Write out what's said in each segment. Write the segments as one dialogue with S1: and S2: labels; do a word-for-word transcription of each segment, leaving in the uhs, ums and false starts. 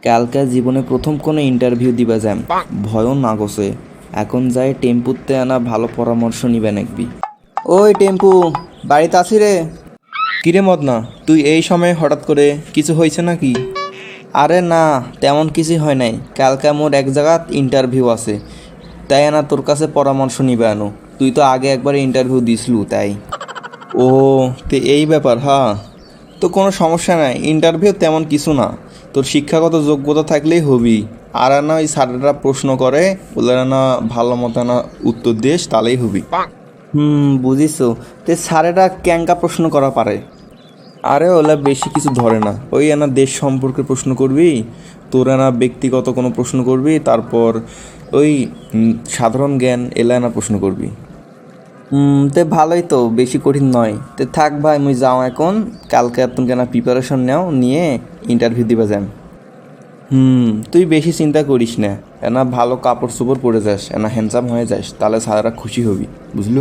S1: কালকে জীবনে প্রথম কোনো ইন্টারভিউ দিবা যাম, ভয়ও না গছে। এখন যাই টেম্পুতে আনা ভালো পরামর্শ নিবে নাকবি। ওই টেম্পু, বাড়িতে আছি রে। কিরে মদনা, তুই এই সময় হঠাৎ করে কিছু হয়েছে নাকি? আরে না, তেমন কিছুই হয় নাই। কালকে মোর এক জায়গাত ইন্টারভিউ আছে, তাই আনা তোর কাছে পরামর্শ নিবে আনো। তুই তো আগে একবার ইন্টারভিউ দিসলু তাই। ও, তে এই ব্যাপার। হ্যাঁ, তো কোনো সমস্যা নাই, ইন্টারভিউ তেমন কিছু না। তোর শিক্ষাগত যোগ্যতা থাকলেই হবি। আর না ওই স্যাররা প্রশ্ন করে, ওদের না ভালো মতো না উত্তর দিস, তাহলেই হবি। হুম, বুঝিস। তে স্যারেরা ক্যাঙ্কা প্রশ্ন করা পারে? আরে ওলা বেশি কিছু ধরে না, ওই না দেশ সম্পর্কে প্রশ্ন করবি, তোরা না ব্যক্তিগত কোনো প্রশ্ন করবি, তারপর ওই উম, সাধারণ জ্ঞান এলা না প্রশ্ন করবি। হুম, তে ভালোই তো, বেশি কঠিন নয়। তে থাক ভাই, মুই যাও এখন। কালকে তুমি কেন প্রিপারেশন নাও, নিয়ে ইন্টারভিউ দিবা যান। হুম, তুই বেশি চিন্তা করিস না। এনা ভালো কাপড় চোপড় পরে যাস, এনা হ্যান্ডসাম হয়ে যাস, তাহলে স্যাররা খুশি হবি, বুঝলু?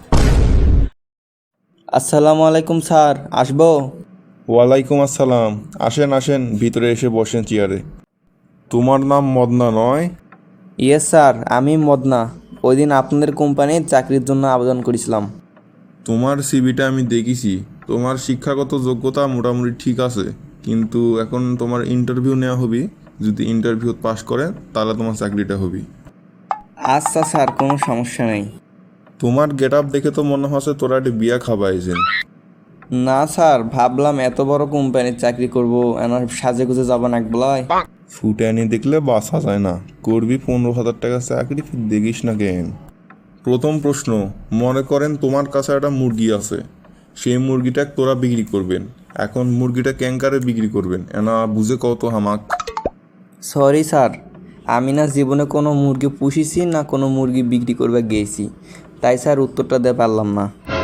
S1: আসসালামু আলাইকুম স্যার, আসবো?
S2: ওয়ালাইকুম আসসালাম। আসেন আসেন, ভিতরে এসে বসেন চেয়ারে। তোমার নাম মদনা নয়?
S1: ইয়েস স্যার, আমি মদনা। ওই দিন আপনাদের কোম্পানির চাকরির জন্য আবেদন করেছিলাম।
S2: তোমার সিভিটা আমি দেখেছি। তোমার শিক্ষাগত যোগ্যতা মোটামুটি ঠিক আছে, কিন্তু এখন তোমার ইন্টারভিউ নেওয়া হবি। যদি ইন্টারভিউ পাস করে তাহলে তোমার চাকরিটা হবি।
S1: আচ্ছা স্যার, কোনো সমস্যা নেই।
S2: তোমার গেট আপ দেখে তো মনে হচ্ছে তোরা একটা বিয়া খাবাইছেন।
S1: না স্যার, ভাবলাম এত বড় কোম্পানির চাকরি করব, এনার সাজে গুজে যাবো না একবেলায়।
S2: ফুটানি দেখলে বাসা যায় না। করবি পনেরো হাজার টাকা চাকরি, ফির দেখিস না কেন? প্রথম প্রশ্ন, মনে করেন তোমার কাছে একটা মুরগি আছে। সেই মুরগিটা তোরা বিক্রি করবেন। এখন মুরগিটা ক্যাঙ্কারে বিক্রি করবেন, এনা বুঝে কত হামাক।
S1: সরি স্যার, আমি না জীবনে কোনো মুরগি পুষিছি না কোনো মুরগি বিক্রি করবে গিয়েছি, তাই স্যার উত্তরটা দিতে পারলাম না।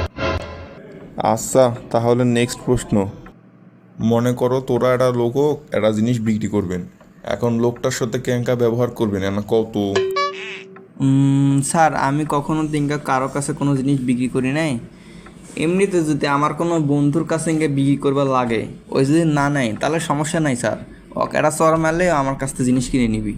S2: আচ্ছা, তাহলে নেক্সট প্রশ্ন। মনে করো তোরা একটা লোক একটা জিনিস বিক্রি করবেন। এখন লোকটার সাথে ক্যাঙ্কা ব্যবহার করবেন, এনা কত?
S1: উম, স্যার, আমি কখনো দিনকা কারো কাছে কোনো জিনিস বিক্রি করি নাই। এমনিতে যদি আমার কোনো বন্ধুর কাছে ইঙ্গে বিক্রি করবার লাগে, ওই যদি না নেয় তাহলে সমস্যা নাই স্যার। অকেরা চর মারলে আমার কাছ থেকে জিনিস কিনে নিবি।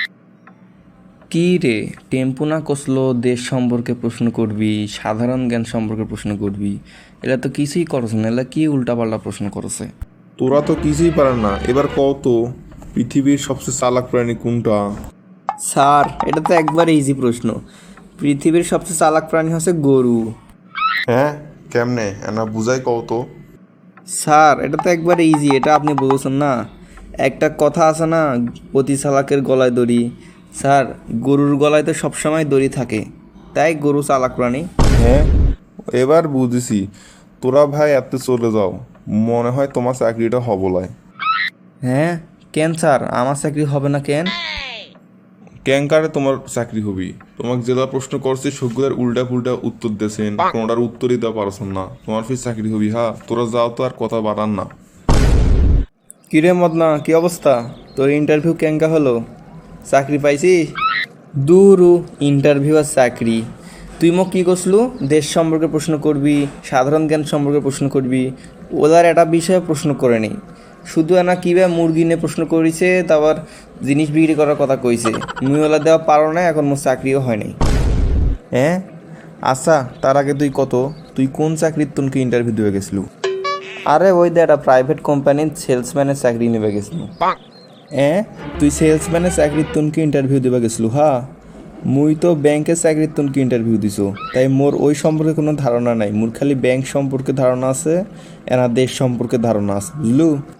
S1: কি রে, টেম্পু না কষলো দেশ সম্পর্কে প্রশ্ন করবি, সাধারণ জ্ঞান সম্পর্কে প্রশ্ন করবি? এরা তো কিছুই করছে না, এরা কি উল্টাপাল্টা প্রশ্ন করছে।
S2: তোরা তো কিছুই পারেন না, এবার কত? পৃথিবীর সবচেয়ে চালাক প্রাণী কোনটা?
S1: স্যার, এটা তো একবারে ইজি প্রশ্ন। পৃথিবীর সবচেয়ে চালাক প্রাণী হচ্ছে গরু।
S2: হ্যাঁ, কেমনে এনা বুঝাই কত?
S1: স্যার, এটা তো একবারে ইজি, এটা আপনি বলছেন না। একটা কথা আছে না, অতি চালাকের গলায় দড়ি। স্যার, গরুর গলায় তো সবসময় দড়ি থাকে, তাই গরু চালাক প্রাণী।
S2: হ্যাঁ, এবার বুঝেছি। তোরা ভাই এত চলে যাও, মনে হয় তোমার চাকরিটা হবলায়।
S1: হ্যাঁ, কেন স্যার, আমার চাকরি হবে না কেন?
S2: ক্যাঙ্কারে তোমার চাকরি হবি। তোমাকে যেটা প্রশ্ন করছি সবগুলোর উল্টা পুল্টা উত্তর দিয়েছেন, কোনোটার উত্তরই দেওয়া পারছেন না। তোমার ফির চাকরি হবি। হ্যাঁ, তোরা যাও তো, আর কথা বাড়ান না।
S1: কিরে মদনা, কি অবস্থা? তোর ইন্টারভিউ কেঙ্কা হলো? চাকরি পাইছি? দূরু, ইন্টারভিউ আর চাকরি। তুই মোক কী করছলু? দেশ সম্পর্কে প্রশ্ন করবি, সাধারণ জ্ঞান সম্পর্কে প্রশ্ন করবি। ওদের একটা বিষয়ে প্রশ্ন করে নেই, শুধু এনা কীভাবে মুরগি নিয়ে প্রশ্ন করেছে, তারপর জিনিস বিক্রি করার কথা কইছে। মুই ওলা দেওয়া পারো না, এখন মোর চাকরিও হয় নাই। হ্যাঁ, আচ্ছা, তার আগে তুই কত, তুই কোন চাকরির তোনকে ইন্টারভিউ দিয়ে গেছিলু? আরে ওই দে একটা প্রাইভেট কোম্পানির সেলসম্যানের চাকরি নেবে গেছিলু। হ্যাঁ, তুই সেলসম্যানের চাকরির তোনকে ইন্টারভিউ দেবা গেছিলু? হ্যাঁ, মুই তো ব্যাংকের চাকরির তোনকে ইন্টারভিউ দিছো, তাই মোর ওই সম্পর্কে কোনো ধারণা নাই। মোর খালি ব্যাংক সম্পর্কে ধারণা আছে, এনা দেশ সম্পর্কে ধারণা আছে, বুঝলু?